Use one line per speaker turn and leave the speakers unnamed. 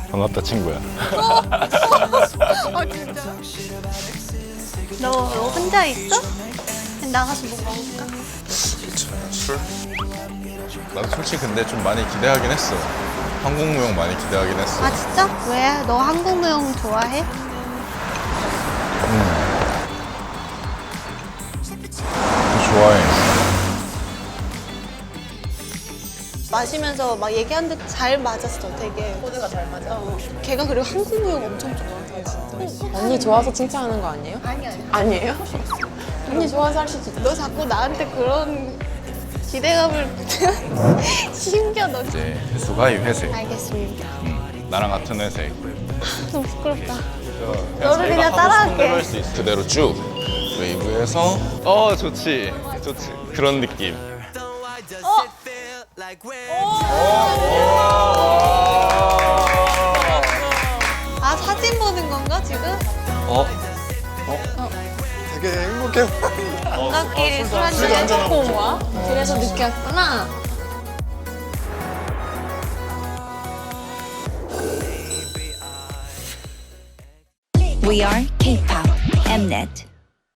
반갑다 친구야.
아 진짜? 너 혼자 있어? 나가서 뭐 먹을까?
술? 나도 솔직히 근데 좀 많이 기대하긴 했어. 한국 무용 많이 기대하긴 했어.
아 진짜? 왜? 너 한국 무용 좋아해?
좋아해.
마시면서 막 얘기하는데 잘 맞았어, 되게.
코드가 잘 맞아.
걔가 그리고 한국 무용 엄청 좋아해.
언니 좋아서 칭찬하는 거 아니에요?
아니야.
아니에요? 언니 좋아서 할 수도 있어.
너 자꾸 나한테 그런 기대감을 심겨 너.
이제 회수가 이 회색.
알겠습니다.
나랑 같은 회색.
너무 부끄럽다.
너를
너를 그냥 따라할게.
그대로 쭉 웨이브해서 좋지 좋지 그런 느낌.
아 사진 보는 건가 지금?
되게 행복해.
반갑게 술 한잔
한잔하고
해놓고 온 거야? 그래서 늦게 왔구나.
We are K-pop Mnet.